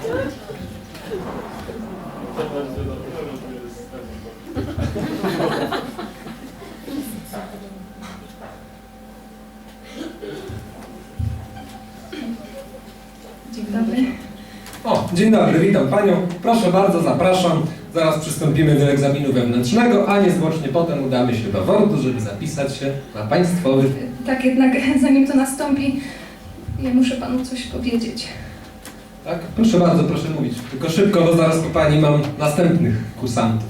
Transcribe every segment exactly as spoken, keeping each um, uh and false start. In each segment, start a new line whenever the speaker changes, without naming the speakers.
Dzień dobry.
O, dzień dobry, witam Panią. Proszę bardzo, zapraszam. Zaraz przystąpimy do egzaminu wewnętrznego, a niezwłocznie potem udamy się do WORD-u, żeby zapisać się na państwowy.
Tak jednak, zanim to nastąpi, ja muszę panu coś powiedzieć.
Tak? Proszę bardzo, proszę mówić. Tylko szybko, bo zaraz po Pani mam następnych kursantów.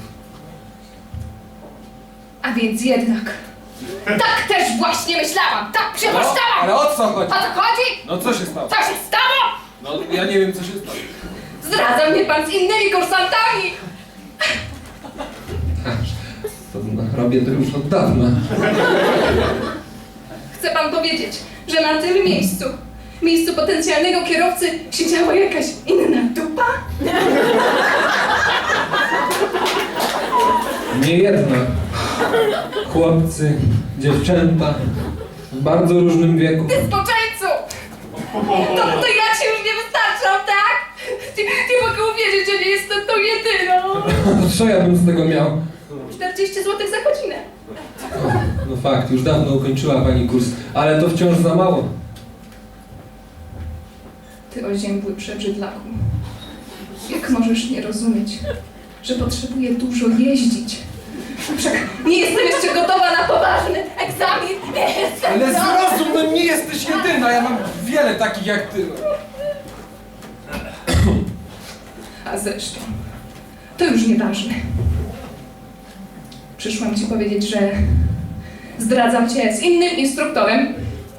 A więc jednak. Tak też właśnie myślałam! Tak przypuszczałam!
Ale o co chodzi?
O co chodzi?
No co się stało?
Co się stało?
No ja nie wiem, co się stało.
Zdradza mnie pan z innymi kursantami!
To, no, robię to już od dawna.
Chce pan powiedzieć, że na tym miejscu, miejscu potencjalnego kierowcy, siedziała jakaś inna dupa?
Nie jedna. Chłopcy, dziewczęta w bardzo różnym wieku.
Ty zboczeńcu! To, to ja ci już nie wystarczam, tak? Nie, nie mogę uwierzyć, że nie jestem tą jedyną!
No co ja bym z tego miał?
czterdzieści złotych za godzinę.
O, no fakt, już dawno ukończyła Pani kurs, ale to wciąż za mało.
Ty oziębły przebrzydlaku. Jak możesz nie rozumieć, że potrzebuję dużo jeździć? Wszak nie jestem jeszcze gotowa na poważny egzamin! Nie jestem
Ale
gotowa.
zrozum, no nie jesteś jedyna, ja mam wiele takich jak ty.
A zresztą, to już nieważne. Przyszłam ci powiedzieć, że zdradzam cię z innym instruktorem.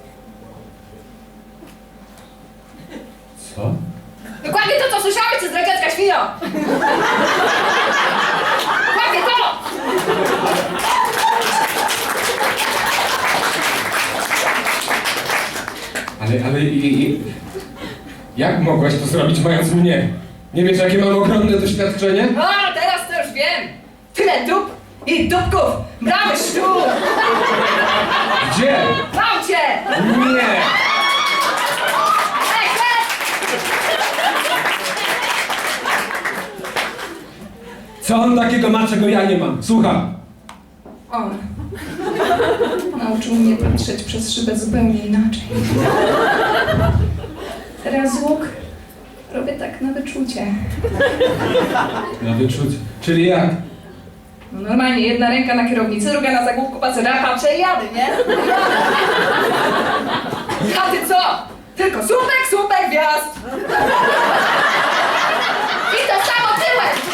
Co?
Dokładnie to, co słyszałeś, ty zdradziecka świnio! Dokładnie to!
Ale, ale i, i, jak mogłaś to zrobić, mając mnie? Nie wiesz, jakie mam ogromne doświadczenie?
A, teraz to już wiem! Tyle dup i dupków brałeś tu!
Gdzie?
W aucie!
Nie!
Ej, chleb!
Co on takiego ma, czego ja nie mam? Słucham.
On nauczył mnie patrzeć przez szybę zupełnie inaczej. Teraz łuk robię tak na wyczucie.
Na wyczucie. Czyli jak?
No normalnie, jedna ręka na kierownicy, druga na zagłówku pacera, patrzę i jadę, nie? A ty co? Tylko słupek, słupek, wjazd! I to samo tyłem!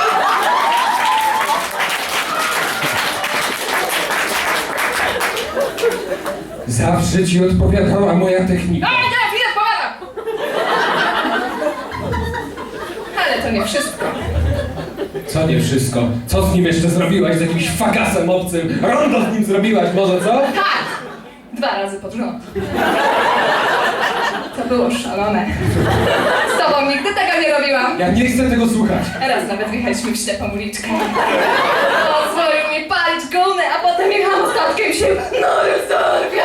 Zawsze ci odpowiadała moja technika.
No, nie, chwilę pogadam! Ale to nie wszystko.
Co nie wszystko? Co z nim jeszcze zrobiłaś? Z jakimś fagasem obcym? Rondo z nim zrobiłaś może, co?
Tak! Dwa razy pod rząd. To było szalone. Z tobą nigdy tego nie robiłam.
Ja nie chcę tego słuchać.
Raz nawet wjechaliśmy w ślepą uliczkę. Pozwolił mi palić gumę, a potem jechałam statkiem się no rezerwia.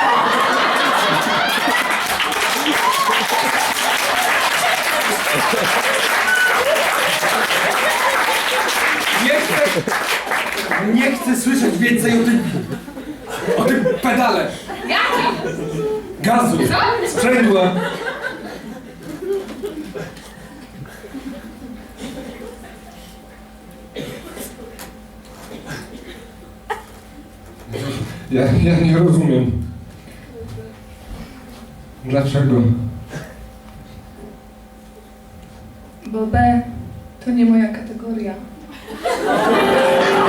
Nie chcę... Nie chcę słyszeć więcej o tym... O tym pedale.
Jaki?
Gazu.
Co?
Sprzęgła. Ja, ja nie rozumiem. Dlaczego?
Bo B to nie moja kategoria.